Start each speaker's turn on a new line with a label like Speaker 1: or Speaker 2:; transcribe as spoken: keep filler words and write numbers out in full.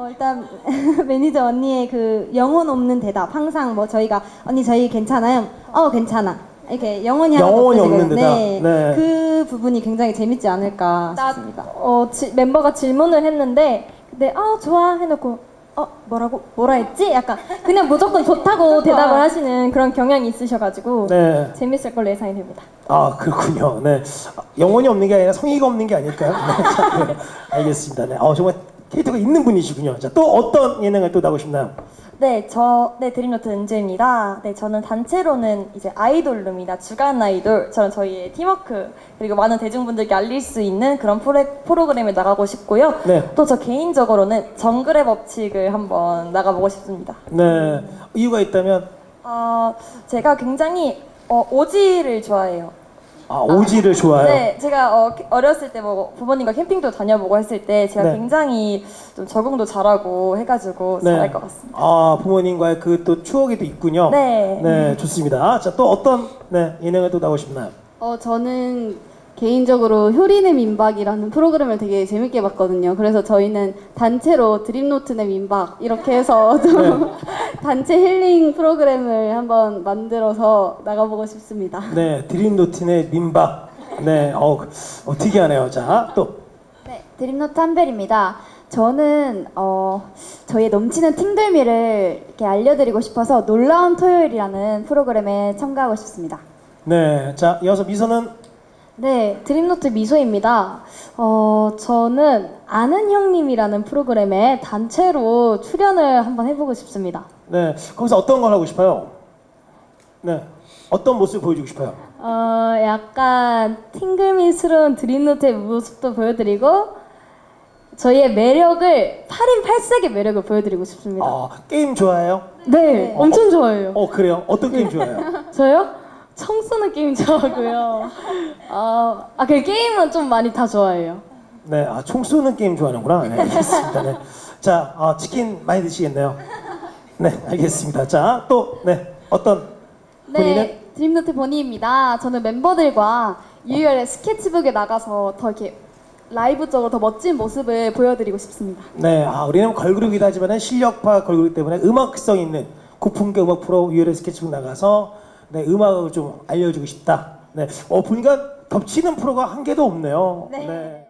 Speaker 1: 일단 매니저 언니의 그 영혼 없는 대답 항상 뭐 저희가 언니 저희 괜찮아요? 어 괜찮아 이렇게 영혼이 하나도
Speaker 2: 영혼이 없는 대답.
Speaker 1: 네.
Speaker 2: 네.
Speaker 1: 그 부분이 굉장히 재밌지 않을까
Speaker 3: 나,
Speaker 1: 싶습니다.
Speaker 3: 어, 지, 멤버가 질문을 했는데 근데 아 좋아 해놓고 어 뭐라고 뭐라 했지? 약간 그냥 무조건 좋다고 대답을 하시는 그런 경향이 있으셔가지고
Speaker 2: 네.
Speaker 3: 재밌을 걸로 예상이 됩니다.
Speaker 2: 아 그렇군요. 네. 영혼이 없는 게 아니라 성의가 없는 게 아닐까요? 네. 자, 네. 알겠습니다. 네. 어, 정말 캐릭터가 있는 분이시군요. 자, 또 어떤 예능을 또 나고 싶나요?
Speaker 4: 네, 저, 네, 드림노트 은주입니다. 네, 저는 단체로는 이제 아이돌룸이나 주간 아이돌처럼 저희의 팀워크, 그리고 많은 대중분들께 알릴 수 있는 그런 프로, 프로그램에 나가고 싶고요.
Speaker 2: 네.
Speaker 4: 또 저 개인적으로는 정글의 법칙을 한번 나가보고 싶습니다.
Speaker 2: 네. 이유가 있다면?
Speaker 4: 어, 제가 굉장히 어, 오지를 좋아해요.
Speaker 2: 아, 오지를 좋아해요?
Speaker 4: 네, 제가 어, 어렸을 때 뭐 부모님과 캠핑도 다녀보고 했을 때 제가
Speaker 2: 네.
Speaker 4: 굉장히 좀 적응도 잘하고 해가지고
Speaker 2: 네.
Speaker 4: 잘할 것 같습니다.
Speaker 2: 아, 부모님과의 그 또 추억이 또 있군요.
Speaker 4: 네.
Speaker 2: 네, 좋습니다. 자, 또 어떤 네, 예능을 또 나고 싶나요?
Speaker 5: 어, 저는 개인적으로 효리네 민박이라는 프로그램을 되게 재밌게 봤거든요. 그래서 저희는 단체로 드림노트네 민박 이렇게 해서 좀
Speaker 2: 네.
Speaker 5: 단체 힐링 프로그램을 한번 만들어서 나가보고 싶습니다.
Speaker 2: 네, 드림노트의 민박. 네, 어, 어 특이하네요. 자, 또.
Speaker 6: 네, 드림노트 한별입니다. 저는 어, 저희의 넘치는 팅들미를 이렇게 알려드리고 싶어서 놀라운 토요일이라는 프로그램에 참가하고 싶습니다.
Speaker 2: 네, 자, 이어서 미소는?
Speaker 3: 네, 드림노트 미소입니다. 어, 저는 아는 형님이라는 프로그램에 단체로 출연을 한번 해보고 싶습니다.
Speaker 2: 네, 거기서 어떤 걸 하고 싶어요? 네, 어떤 모습을 보여주고 싶어요?
Speaker 3: 어, 약간 팅글미스러운 드림노트의 모습도 보여드리고 저희의 매력을 팔 인 팔 색의 매력을 보여드리고 싶습니다.
Speaker 2: 아, 게임 좋아해요?
Speaker 3: 네, 엄청 좋아해요.
Speaker 2: 어, 그래요? 어떤 게임 좋아해요?
Speaker 3: 저요? 총 쏘는 게임 좋아하고요. 어, 아, 그 게임은 좀 많이 다 좋아해요.
Speaker 2: 네, 아, 총 쏘는 게임 좋아하는구나. 네, 알겠습니다. 네. 자, 아, 치킨 많이 드시겠네요. 네, 알겠습니다. 자, 또, 네, 어떤 본인은?
Speaker 5: 네, 드림노트 보니입니다. 저는 멤버들과 유열의 스케치북에 나가서 더 이렇게 라이브적으로 더 멋진 모습을 보여드리고 싶습니다.
Speaker 2: 네, 아, 우리는 걸그룹이다 하지만 실력파 걸그룹 때문에 음악성 있는 고품격 음악 프로 유열의 스케치북 나가서 네, 음악을 좀 알려주고 싶다. 네, 어, 보니까 덮치는 프로가 한 개도 없네요.
Speaker 6: 네.
Speaker 2: 네.